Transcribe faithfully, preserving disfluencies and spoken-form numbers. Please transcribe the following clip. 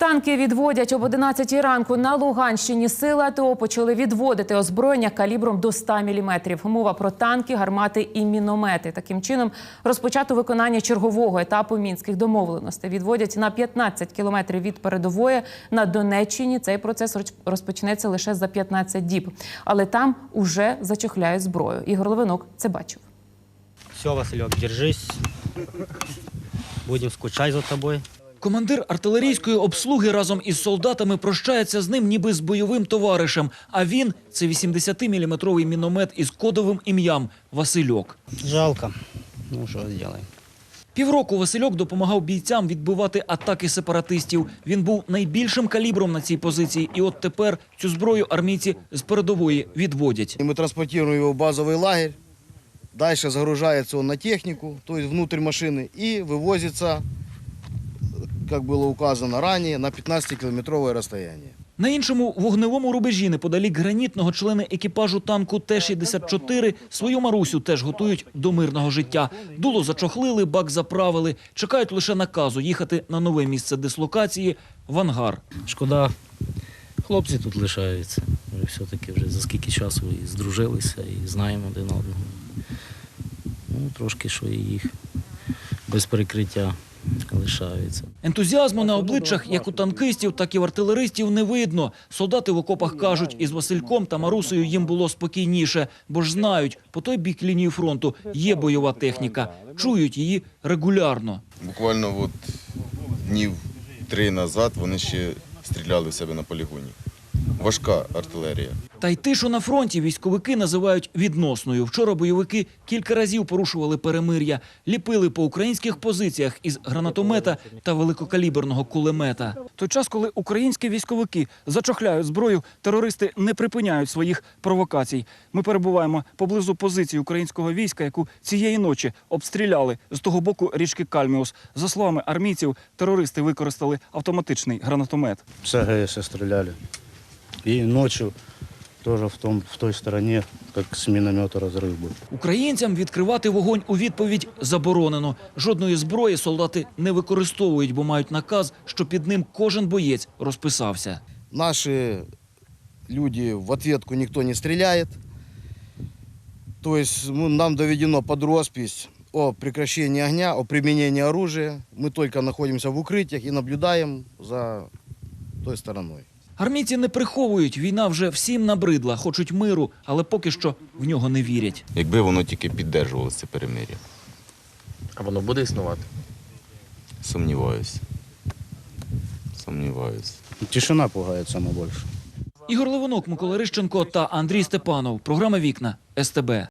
Танки відводять об одинадцятій ранку на Луганщині. Сили АТО почали відводити озброєння калібром до ста міліметрів. Мова про танки, гармати і міномети. Таким чином розпочато виконання чергового етапу мінських домовленостей. Відводять на п'ятнадцять кілометрів від передової. На Донеччині цей процес розпочнеться лише за п'ятнадцять діб. Але там уже зачохляють зброю. Ігор Левинок це бачив. Все, Васильок, держись. Будемо скучати за тобою. Командир артилерійської обслуги разом із солдатами прощається з ним ніби з бойовим товаришем. А він – це вісімдесятиміліметровий міномет із кодовим ім'ям Васильок. Жалко. Ну, що зробимо. Півроку Васильок допомагав бійцям відбивати атаки сепаратистів. Він був найбільшим калібром на цій позиції. І от тепер цю зброю армійці з передової відводять. Ми транспортуємо його в базовий лагерь. Далі загружається він на техніку, тобто внутрь машини, і вивозиться, як було указано раніше, на п'ятнадцятикілометрове розстояння. На іншому вогневому рубежі неподалік гранітного члени екіпажу танку Т шістдесят чотири свою Марусю теж готують до мирного життя. Дуло зачохлили, бак заправили, чекають лише наказу їхати на нове місце дислокації – в ангар. Шкода, хлопці тут лишаються. Ми все-таки вже за скільки часу і здружилися, і знаємо один одного. Ну, трошки, що і їх без перекриття лишаються. Ентузіазму на обличчях як у танкистів, так і в артилеристів не видно. Солдати в окопах кажуть, із Васильком та Марусею їм було спокійніше, бо ж знають, по той бік лінії фронту є бойова техніка. Чують її регулярно. Буквально от днів три назад вони ще стріляли в себе на полігоні. Важка артилерія. Та й тишу на фронті військовики називають відносною. Вчора бойовики кілька разів порушували перемир'я, ліпили по українських позиціях із гранатомета та великокаліберного кулемета. В той час, коли українські військовики зачохляють зброю, терористи не припиняють своїх провокацій. Ми перебуваємо поблизу позиції українського війська, яку цієї ночі обстріляли з того боку річки Кальміус. За словами армійців, терористи використали автоматичний гранатомет. С АГС стреляли. И ночью тоже в, том, в той стороне, как с миномета разрыв был. Українцям відкривати вогонь у відповідь заборонено. Жодної зброї солдати не використовують, бо мають наказ, що під ним кожен боєць розписався. Наші люди в ответку ніхто не стріляє. Тобто нам доведено під розпись о прекращении огня, о применении оружия. Мы только находимся в укриттях і наблюдаємо за той стороною. Армійці не приховують, війна вже всім набридла, хочуть миру, але поки що в нього не вірять. Якби воно тільки піддержувалося, це перемир'я. А воно буде існувати? Сумніваюся. Сумніваюся. Тишина пугает самое больше. Ігор Левинок, Микола Рищенко та Андрій Степанов. Програма «Вікна» ес те бе.